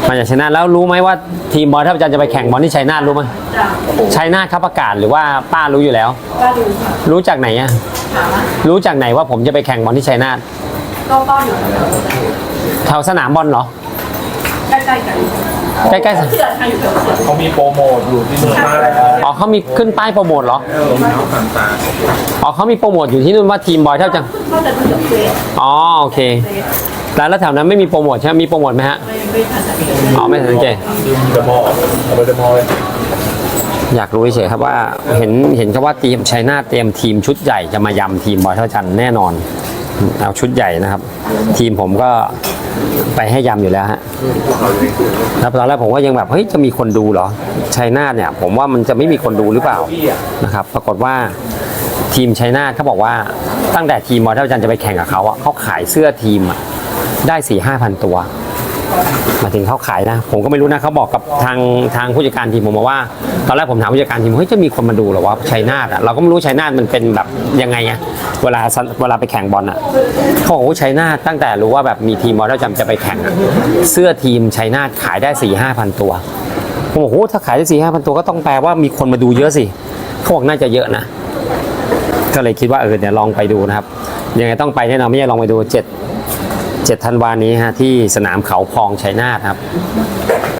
มาจากชัยนาทแล้วรู้ไหมว่าทีมบอลถ้าอาจารย์จะไปแข่งบอลที่ชัยนาทรู้ไหมจ้ะชัยนาทเขาประกาศหรือว่าป้ารู้อยู่แล้วก็ดูค่ะรู้จากไหนอะถามว่ารู้จากไหนว่าผมจะไปแข่งบอลที่ชัยนาทก็อยู่แถวสนามบอลเหรอใกล้ๆกันใกล้ๆเขื่อนค่ะอยู่แถวเขื่อนเขามีโปรโมทอยู่ที่นู่นมากเลยอ๋อเขามีขึ้นป้ายโปรโมทเหรอลงน้ำผ่านตาอ๋อเขามีโปรโมทอยู่ที่นู่นว่าทีมบอยเท่าจังก็จะเป็นเฟสอ๋อโอเคแล้วแถวนั้นไม่มีโปรโมทใช่ไหมมีโปรโมทไหมฮะไม่ทันสังเกตอ๋อไม่สังเกตดึงเดอะมอลล์เอาไปเดอะมอลล์เลยอยากรู้เฉยๆครับว่าเห็นครับว่าทีมชัยนาทเตรียมทีมชุดใหญ่จะมายำทีมบอยเท่าจันแน่นอนเอาชุดใหญ่นะครับ ทีมผมก็ไปให้ยำอยู่แล้วฮะแล้วตอนแรกผมก็ยังแบบเฮ้ยจะมีคนดูเหรอชัยนาทเนี่ยผมว่ามันจะไม่มีคนดูหรือเปล่านะครับ ปรากฏว่าทีมชัยนาทเขาบอกว่าตั้งแต่ทีมบอยเท่าจันจะไปแข่งกับเขาอ่ะเขาขายเสื้อทีมได้ 4-5 พันตัวหมายถึงเขาขายนะผมก็ไม่รู้นะเขาบอกกับทางผู้จัดการทีมผมมาว่าตอนแรกผมถามผู้จัดการทีมเฮ้ยจะมีคนมาดูเหรอวะชัยนาทอ่ะเราก็ไม่รู้ชัยนาทมันเป็นแบบยังไงอ่ะเวลาไปแข่งบอลอ่ะเขาบอกว่าชัยนาทตั้งแต่รู้ว่าแบบมีทีมบอลแล้วจะไปแข่งอ่ะเสื้อทีมชัยนาทขายได้ 4-5 พันตัวผมบอกโอ้ถ้าขายได้ 4-5 พันตัวก็ต้องแปลว่ามีคนมาดูเยอะสิเขาบอกน่าจะเยอะนะก็เลยคิดว่าเดี๋ยวลองไปดูนะครับยังไงต้องไปแน่นอนไม่ใช่ลองไปดู7 ธันวาคมนี้ฮะที่สนามเขาพองชัยนาทครับ